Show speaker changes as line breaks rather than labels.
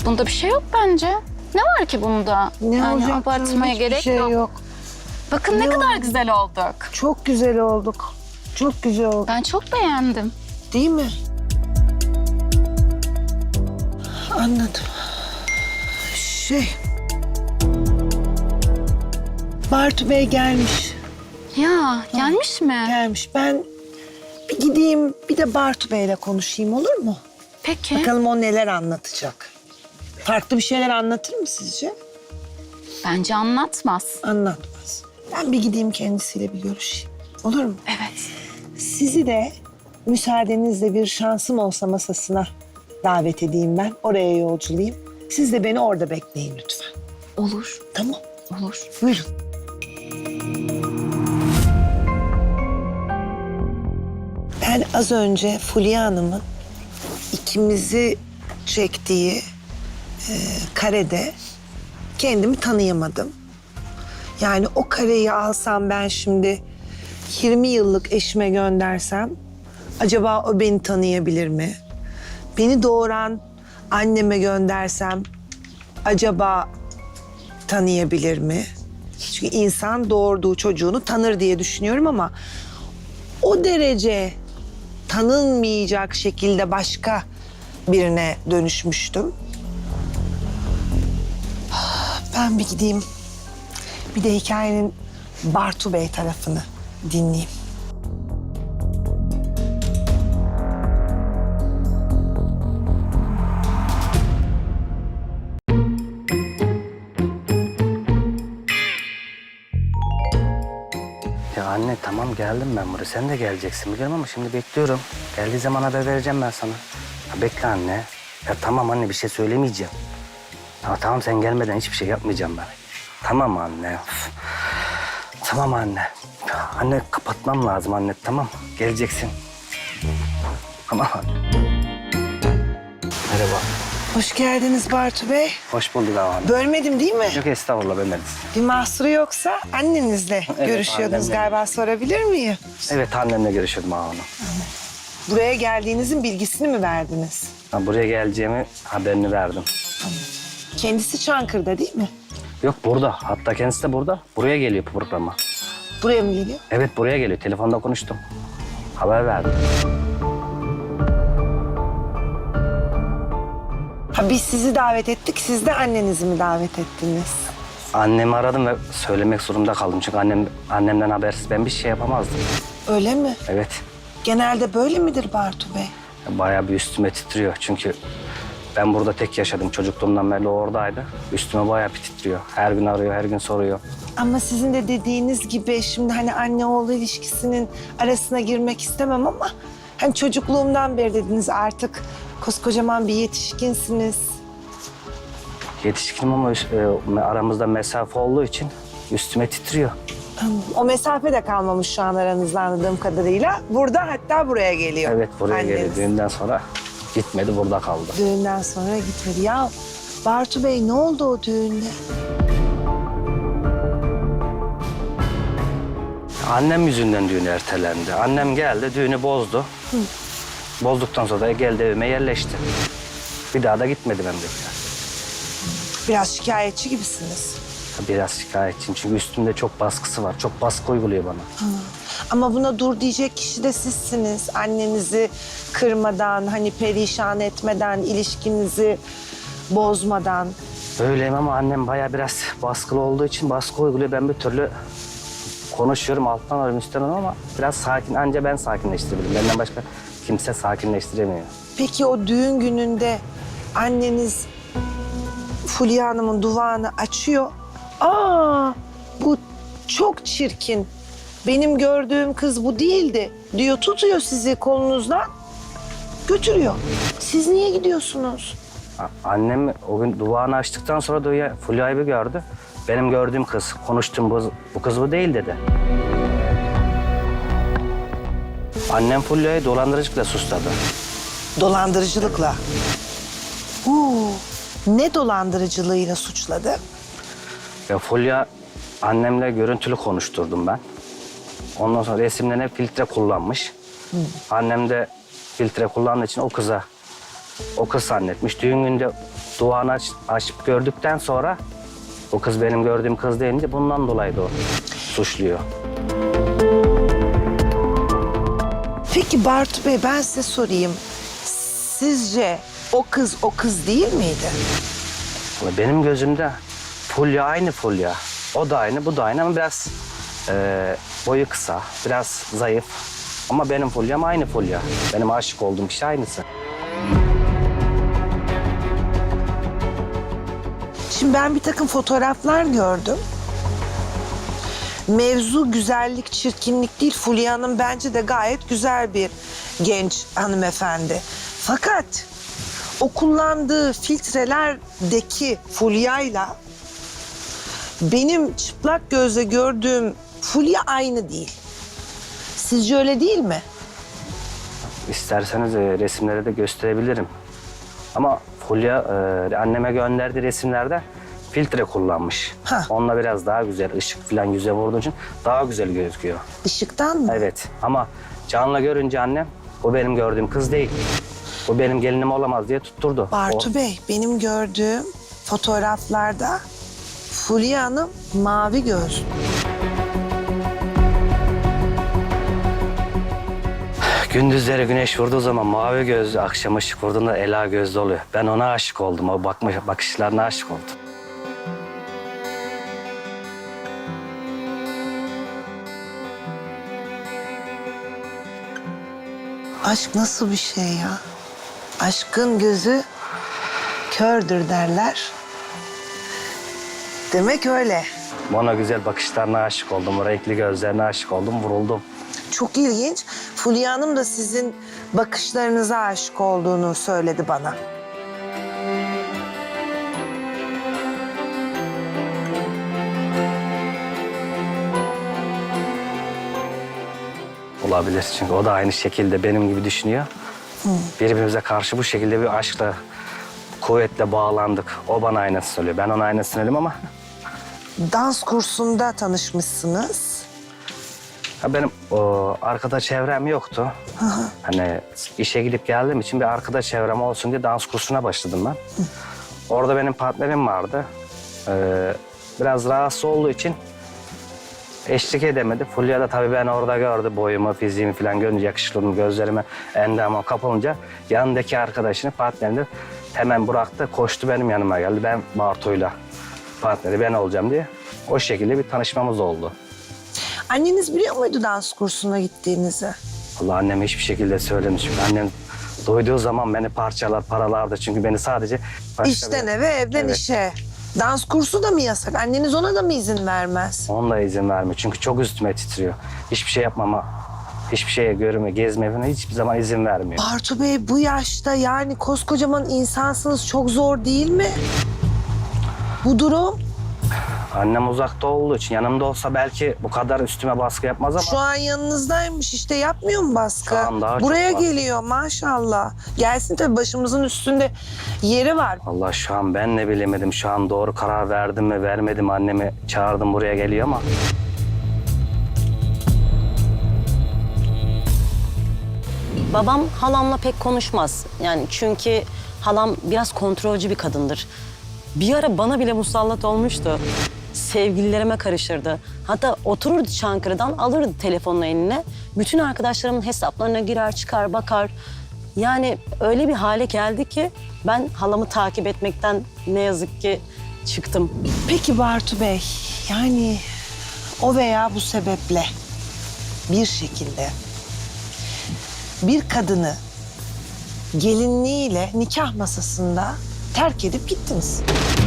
Bunda bir şey yok bence. Ne var ki bunda?
Ne
yani
olacak canım?
abartmaya
Hiçbir
gerek
şey
yok. Bakın ne
Ne
kadar
oldu?
güzel olduk.
Çok güzel olduk. Çok güzel olduk.
Ben çok beğendim.
Değil mi? Anladım. Bartu Bey gelmiş.
Ya gelmiş mi?
Gelmiş. Ben bir gideyim bir de Bartu Bey'le konuşayım olur mu?
Peki.
Bakalım o neler anlatacak. Farklı bir şeyler anlatır mı sizce?
Bence anlatmaz.
Anlatmaz. Ben bir gideyim kendisiyle bir görüşeyim. Olur mu?
Evet.
Sizi de müsaadenizle bir şansım olsa masasına davet edeyim ben. Oraya yolculayayım. Siz de beni orada bekleyin lütfen.
Olur.
Tamam.
Olur.
Buyurun. Ben az önce Fulya Hanım'ın ikimizi çektiği karede kendimi tanıyamadım. Yani o kareyi alsam ben şimdi 20 yıllık eşime göndersem acaba o beni tanıyabilir mi? Beni doğuran anneme göndersem acaba tanıyabilir mi? Çünkü insan doğurduğu çocuğunu tanır diye düşünüyorum ama o derece tanınmayacak şekilde başka birine dönüşmüştüm. Ben bir gideyim. Bir de hikayenin Bartu Bey tarafını dinleyeyim.
Ya anne tamam geldim ben buraya. Sen de geleceksin biliyorum ama şimdi bekliyorum. Geldiği zaman haber vereceğim ben sana. Ya bekle anne. Ya tamam anne bir şey söylemeyeceğim. Ya tamam sen gelmeden hiçbir şey yapmayacağım ben. Tamam anne. Üf. Tamam anne. Anne kapatmam lazım anne tamam. Geleceksin. Tamam anne. Merhaba.
Hoş geldiniz Bartu Bey.
Hoş bulduk abi.
Bölmedim değil mi?
Yok estağfurullah bölmediniz.
Bir mahsuru yoksa annenizle görüşüyordunuz
annemle.
galiba, sorabilir miyim?
Evet annemle görüşüyordum abi.
Buraya geldiğinizin bilgisini mi verdiniz?
Ha, buraya geleceğimi haberini verdim.
Kendisi Çankırı'da değil mi?
Yok burada. Hatta kendisi de burada. Buraya geliyor programa.
Buraya mı geliyor?
Evet buraya geliyor. Telefonda konuştum. Haber verdim.
Ha biz sizi davet ettik, siz de annenizi mi davet ettiniz?
Annemi aradım ve söylemek zorunda kaldım. Çünkü annemden habersiz ben bir şey yapamazdım.
Öyle mi?
Evet.
Genelde böyle midir Bartu Bey?
Bayağı bir üstüme titriyor. Çünkü ben burada tek yaşadım. Çocukluğumdan beri o oradaydı. Üstüme bayağı bir titriyor. Her gün arıyor, her gün soruyor.
Ama sizin de dediğiniz gibi şimdi hani anne oğlu ilişkisinin arasına girmek istemem ama hani çocukluğumdan beri dediniz artık koskocaman bir yetişkinsiniz.
Yetişkinim ama aramızda mesafe olduğu için üstüme titriyor.
O mesafe de kalmamış şu an aranızda anladığım kadarıyla. Burada hatta buraya geliyor.
Evet buraya
anneniz.
geliyor. Düğünden sonra gitmedi burada kaldı.
Düğünden sonra gitmedi. Ya Bartu Bey ne oldu o düğünde?
Annem yüzünden düğün ertelendi. Annem geldi, düğünü bozdu. Bozduktan sonra da geldi evime yerleşti. Bir daha da gitmedim hem de.
Biraz şikayetçi gibisiniz.
Biraz şikayetçiyim çünkü üstümde çok baskısı var. Çok baskı uyguluyor bana.
Ama buna dur diyecek kişi de sizsiniz. Annenizi kırmadan, hani perişan etmeden, ilişkinizi bozmadan.
Öyleyim ama annem bayağı biraz baskılı olduğu için baskı uyguluyor. Ben bir türlü konuşuyorum, alttan alıyorum, üstten alıyorum ama biraz sakin. Anca ben sakinleştirebilirim. Benden başka kimse sakinleştiremiyor.
Peki o düğün gününde anneniz Fulya Hanım'ın duvağını açıyor. Aa, bu çok çirkin. Benim gördüğüm kız bu değildi diyor. Tutuyor sizi kolunuzdan, götürüyor. Siz niye gidiyorsunuz?
Annem o gün duvağını açtıktan sonra da Fulya'yı bir gördü. Benim gördüğüm kız, konuştuğum bu kız bu değil dedi. Annem Fulya'yı dolandırıcılıkla suçladı.
Dolandırıcılıkla. Ne dolandırıcılığıyla suçladı?
Ya Fulya annemle görüntülü konuşturdum ben. Ondan sonra resimlerine filtre kullanmış. Annem de filtre kullandığı için o kıza o kız zannetmiş. Düğün günde duanı açıp gördükten sonra o kız benim gördüğüm kız deyince bundan dolayı da o suçluyor.
Peki Bartu Bey, ben size sorayım. Sizce o kız değil miydi?
Benim gözümde Fulya aynı Fulya. O da aynı, bu da aynı ama biraz boyu kısa, biraz zayıf. Ama benim Fulya'm aynı Fulya. Benim aşık olduğum kişi aynısı.
Şimdi ben bir takım fotoğraflar gördüm. Mevzu güzellik, çirkinlik değil. Fulya Hanım bence de gayet güzel bir genç hanımefendi. Fakat o kullandığı filtrelerdeki Fulya'yla benim çıplak gözle gördüğüm Fulya aynı değil. Sizce öyle değil mi?
İsterseniz resimleri de gösterebilirim. Ama Fulya anneme gönderdiği resimlerde filtre kullanmış.
Ha.
Onunla biraz daha güzel, ışık falan yüze vurduğu için daha güzel gözüküyor.
Işıktan mı?
Evet ama canlı görünce annem o benim gördüğüm kız değil. O benim gelinim olamaz diye tutturdu.
Bartu Bey, benim gördüğüm fotoğraflarda Fulya Hanım mavi gözlü.
Gündüzleri güneş vurduğu zaman mavi gözlü, akşam ışık vurduğunda ela gözlü oluyor. Ben ona aşık oldum, o bakışlarına aşık oldum.
Aşk nasıl bir şey ya? Aşkın gözü kördür derler. Demek öyle.
Ona güzel bakışlarına aşık oldum, o renkli gözlerine aşık oldum, vuruldum.
Çok ilginç. Fulya Hanım da sizin bakışlarınıza aşık olduğunu söyledi bana.
Olabilir çünkü o da aynı şekilde benim gibi düşünüyor. Birbirimize karşı bu şekilde bir aşkla, kuvvetle bağlandık. O bana aynısını söylüyor, ben ona aynısını söylüyorum ama...
Dans kursunda tanışmışsınız.
Ha, benim arkadaş çevrem yoktu. Hani işe gidip geldiğim için bir arkadaş çevrem olsun diye dans kursuna başladım ben. Orada benim partnerim vardı. Biraz rahatsız olduğu için eşlik edemedi. Fulya da tabii ben orada gördü boyumu, fiziğimi falan görünce, yakışıklılığımı, gözlerime, endamıma kapılınca yanındaki arkadaşını, partnerini hemen bıraktı, koştu benim yanıma geldi. Ben Bartu'yla partneri ben olacağım diye. O şekilde bir tanışmamız oldu.
Anneniz biliyor muydu dans kursuna gittiğinizi?
Allah anneme hiçbir şekilde söylemiş. Çünkü annem duyduğu zaman beni parçalar, paralardı. Çünkü beni sadece...
İşten eve, evden
Evet.
işe. Dans kursu da mı yasak? Anneniz ona da mı izin vermez?
Onunla izin vermiyor. Çünkü çok üstüme titriyor. Hiçbir şey yapmama, hiçbir şeye görme, gezme falan hiçbir zaman izin vermiyor.
Bartu Bey, bu yaşta yani koskocaman insansınız, çok zor değil mi? Bu durum.
Annem uzakta olduğu için yanımda olsa belki bu kadar üstüme baskı yapmaz ama...
Şu an yanınızdaymış, işte yapmıyor mu baskı?
Şu an daha çok
Buraya
baskı.
geliyor maşallah. Gelsin tabii, başımızın üstünde yeri var.
Allah şu an ben ne bilemedim. Şu an doğru karar verdim mi vermedim, annemi çağırdım buraya geliyor ama...
Babam halamla pek konuşmaz. Yani çünkü halam biraz kontrolcü bir kadındır. Bir ara bana bile musallat olmuştu. Sevgililerime karışırdı. Hatta otururdu Çankırı'dan, alırdı telefonunu eline. Bütün arkadaşlarımın hesaplarına girer, çıkar, bakar. Yani öyle bir hale geldi ki ben halamı takip etmekten ne yazık ki çıktım.
Peki Bartu Bey, yani o veya bu sebeple bir şekilde bir kadını gelinliğiyle nikah masasında terk edip gittiniz.